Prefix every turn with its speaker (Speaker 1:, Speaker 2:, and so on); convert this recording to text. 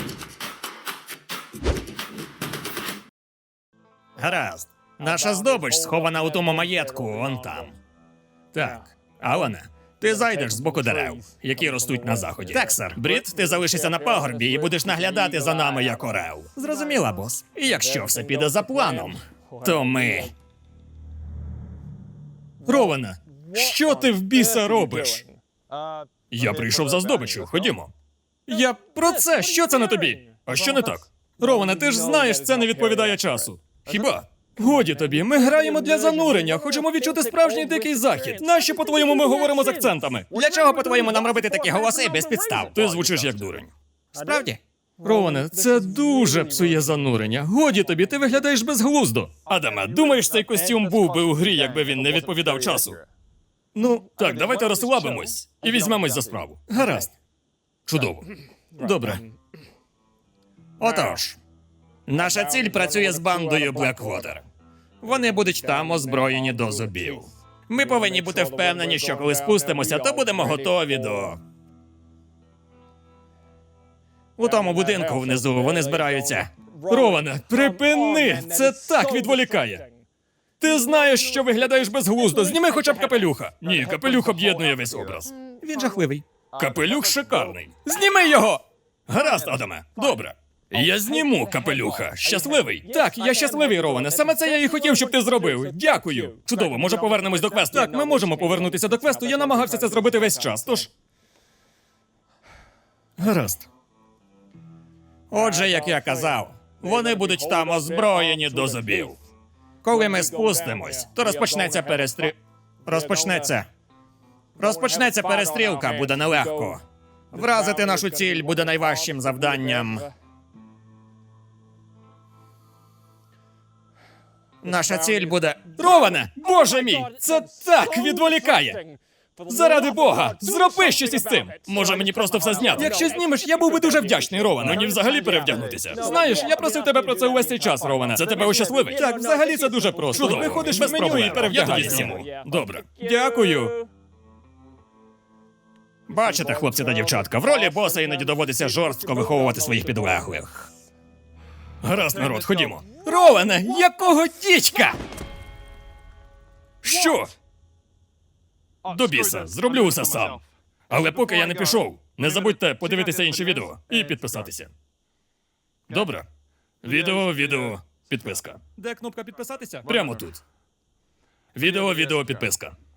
Speaker 1: Гаразд. Наша здобич схована у тому маєтку, он там. Так, Алане, ти зайдеш з боку дерев, які ростуть на заході. Так, сер. Брід, ти залишишся на пагорбі і будеш наглядати за нами як орел. Зрозуміла, бос. І якщо все піде за планом, то ми... Роване, що ти в біса робиш? Я прийшов за здобиччю, ходімо. Я про це, що це на тобі? А що не так? Роване, ти ж знаєш, це не відповідає часу. Хіба? Годі тобі, ми граємо для занурення, хочемо відчути справжній дикий захід. Нащо, по-твоєму, ми говоримо з акцентами? Для чого, по-твоєму, нам робити такі голоси без підстав? Ти звучиш як дурень. Справді? Роване, це дуже псує занурення. Годі тобі, ти виглядаєш безглуздо. Адаме, думаєш, цей костюм був би у грі, якби він не відповідав часу? Ну, так, давайте розслабимось і візьмемось за справу. Гаразд. Чудово. Добре. Отож, наша ціль працює з бандою Блеквотер. Вони будуть там озброєні до зубів. Ми повинні бути впевнені, що коли спустимося, то будемо готові до... У тому будинку внизу вони збираються. Роване, припини! Це так відволікає. Ти знаєш, що виглядаєш безглуздо. Зніми хоча б капелюха. Ні, капелюх об'єднує весь образ. Він жахливий. Капелюх шикарний. Зніми його! Гаразд, Адаме. Добре. Я зніму капелюха. Щасливий? Так, я щасливий, Роване. Саме це я і хотів, щоб ти зробив. Дякую. Чудово, може повернемось до квесту? Так, ми можемо повернутися до квесту. Я намагався це зробити весь час, тож... Гаразд. Отже, як я казав, вони будуть там озброєні до зубів. Коли ми спустимось, то розпочнеться Розпочнеться перестрілка, буде нелегко. Вразити нашу ціль буде найважчим завданням. Наша ціль буде... Роване! Боже мій! Це так відволікає! Заради Бога! Зроби щось із цим! Може мені просто все зняти? Якщо знімеш, я був би дуже вдячний, Роване. Мені взагалі перевдягнутися. Знаєш, я просив тебе про це увесь цей час, Роване. Це тебе ощасливить? Так, взагалі це дуже просто. Чудово. Виходиш без меню і перевдягаєшся. Добре. Дякую. Бачите, хлопці та дівчатка, в ролі боса іноді доводиться жорстко виховувати своїх підлеглих. Гаразд, народ, ходімо. Роване, якого дідька? Що? До біса, зроблю усе сам. Але поки я не пішов, не забудьте подивитися інші відео і підписатися. Добре? Відео, підписка. Де кнопка підписатися? Прямо тут. Відео, підписка.